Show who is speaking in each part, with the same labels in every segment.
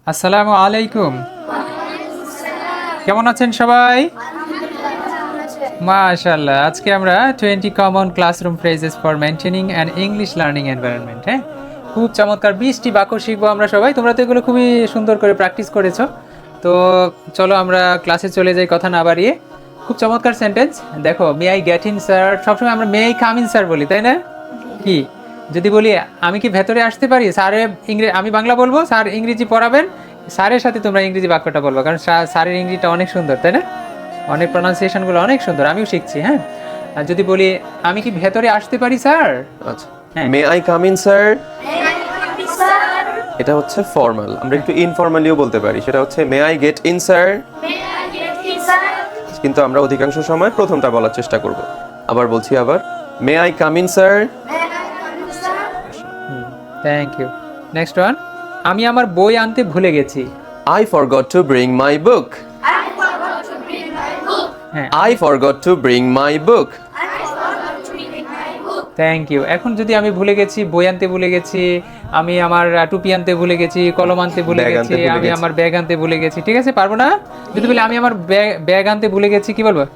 Speaker 1: আসসালামু আলাইকুম। কেমন আছেন সবাই? মাশাআল্লাহ। আজকে আমরা 20 common classroom phrases for maintaining an English learning environment, হ্যাঁ? খুব চমৎকার 20টি বাক্য শিখবো আমরা সবাই। তোমরা তো এগুলো খুবই সুন্দর করে প্র্যাকটিস করেছো। তো চলো আমরা ক্লাসে চলে যাই কথা না বাড়িয়ে। খুব চমৎকার সেন্টেন্স। দেখো, may I get in sir. সবসময় আমরা may I come in sir বলি, তাই না? কি যদি বলি আমি কি ভেতরে আসতে পারি, স্যারে আমি বাংলা বলবো, স্যার ইংরেজি পড়াবেন, স্যারের সাথে তোমরা ইংরেজি বাক্যটা বলবো, কারণ স্যারের ইংরেজিটা অনেক সুন্দর, তাই না? অনেক প্রনাউন্সিয়েশনগুলো অনেক সুন্দর, আমিও শিখছি, হ্যাঁ। আর যদি বলি আমি কি ভেতরে আসতে পারি স্যার,
Speaker 2: আচ্ছা,
Speaker 1: হ্যাঁ।
Speaker 2: May I come in sir, এটা হচ্ছে ফর্মাল। আমরা একটু ইনফর্মালিও বলতে পারি, সেটা হচ্ছে may I get in sir, কিন্তু আমরা অধিকাংশ সময় প্রথমটা বলার চেষ্টা করব। আবার বলছি, may I come in sir.
Speaker 1: Thank you. Next one, আমি আমার বই আনতে ভুলে গেছি।
Speaker 2: I forgot to bring my book.
Speaker 1: হ্যাঁ,
Speaker 2: I forgot to bring my book.
Speaker 1: Thank you. এখন যদি আমি ভুলে গেছি, বই আনতে ভুলে গেছি, আমি আমার টুপি আনতে ভুলে গেছি, কলম আনতে ভুলে
Speaker 2: ব্যাগ
Speaker 1: গেছি,
Speaker 2: আনতে ভুলে
Speaker 1: আমি
Speaker 2: গেছি।
Speaker 1: আমার ব্যাগ আনতে ভুলে গেছি, ঠিক আছে, পারবো না? যদি বলি আমি আমার ব্যাগ আনতে ভুলে গেছি, কি বলবো?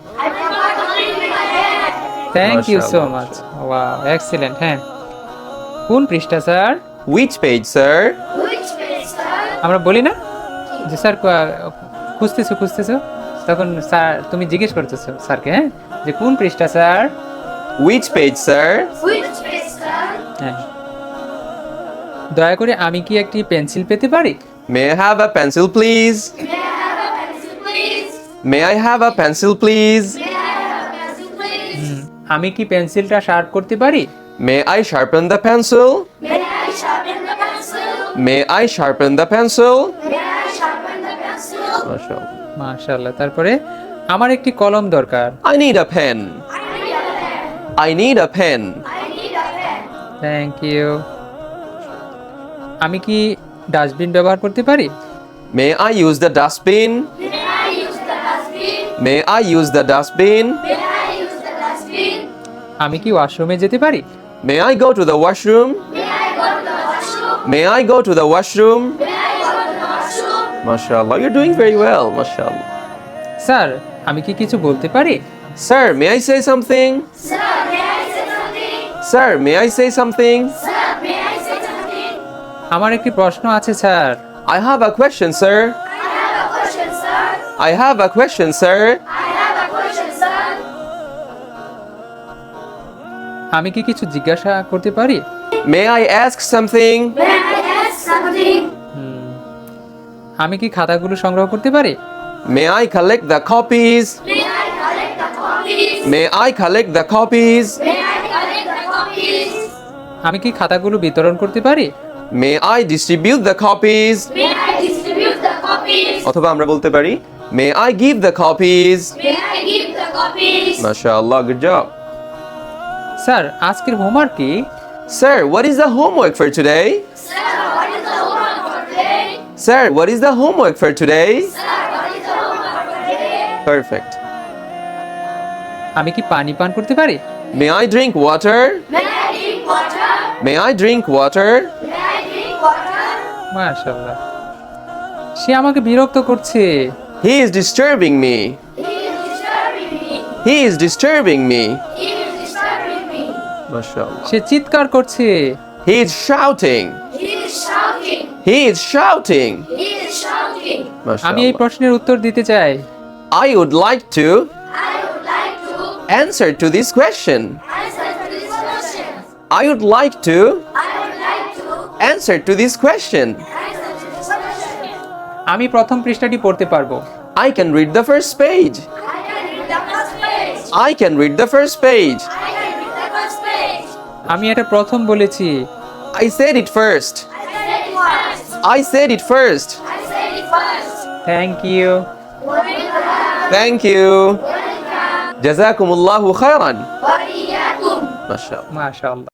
Speaker 1: থ্যাংক ইউ সো
Speaker 2: মাশাআল্লাহ,
Speaker 1: মাচ। Wow, excellent. হ্যাঁ, কোন পৃষ্ঠা স্যার?
Speaker 2: Which page sir?
Speaker 1: আমরা বলি না যে স্যার খুঁজতেছো, তখন স্যার তুমি জিজ্ঞেস করতেছো স্যারকে, হ্যাঁ, যে কোন পৃষ্ঠা স্যার?
Speaker 2: Which page sir?
Speaker 1: হ্যাঁ। দয়া করে আমি কি একটি পেন্সিল পেতে পারি?
Speaker 2: May I have a pencil please? May I have a pencil please?
Speaker 1: আমি কি পেন্সিলটা শার্প করতে পারি?
Speaker 2: May I sharpen the pencil? May I sharpen the pencil? মাশাআল্লাহ।
Speaker 1: মাশাআল্লাহ। তারপরে আমার একটি কলম দরকার।
Speaker 2: I need a pen. I need a pen.
Speaker 1: Thank you. আমি কি ডাস্টবিন ব্যবহার করতে পারি?
Speaker 2: May I use the dustbin? May I use the dustbin?
Speaker 1: আমি কি ওয়াশরুমে যেতে পারি?
Speaker 2: May I go to the washroom? May I go to the washroom? MashaAllah, you're doing very well, MashaAllah.
Speaker 1: Sir, আমি কি কিছু বলতে পারি?
Speaker 2: Sir, may I say something? Sir, may I say something?
Speaker 1: আমার একটি প্রশ্ন আছে sir.
Speaker 2: I have a question, sir. I have a question, sir.
Speaker 1: আমি কি কিছু জিজ্ঞাসা করতে পারি?
Speaker 2: May I ask something?
Speaker 1: আমি কি খাতাগুলো সংগ্রহ করতে পারি?
Speaker 2: May I collect the copies? May I collect the copies?
Speaker 1: আমি কি খাতাগুলো বিতরণ করতে পারি?
Speaker 2: May I distribute the copies? অথবা আমরা বলতে পারি May I give the copies? MashaAllah, good job.
Speaker 1: Sir, আজকের হোমওয়ার্ক কি?
Speaker 2: Sir, what is the homework for today? Sir, what is the homework for today? Perfect.
Speaker 1: আমি কি পানি পান করতে পারি?
Speaker 2: May I drink water? May I drink water?
Speaker 1: মাশাআল্লাহ। সে আমাকে বিরক্ত করছে।
Speaker 2: He is disturbing me. He is disturbing me. MashaAllah.
Speaker 1: সে চিৎকার করছে।
Speaker 2: He is shouting. He is shouting.
Speaker 1: আমি এই
Speaker 2: MashaAllah.
Speaker 1: প্রশ্নের উত্তর দিতে চাই।
Speaker 2: I would like to answer to this question. I would like to answer to this question.
Speaker 1: আমি প্রথম পৃষ্ঠাটি পড়তে পারবো।
Speaker 2: I can read the first page. I can read the first page.
Speaker 1: আমি এটা প্রথম বলেছি।
Speaker 2: I said it first. I said it first.
Speaker 1: Thank you.
Speaker 2: Thank you. Jazakumullahu khairan. MashaAllah.
Speaker 1: মাশাআল্লাহ।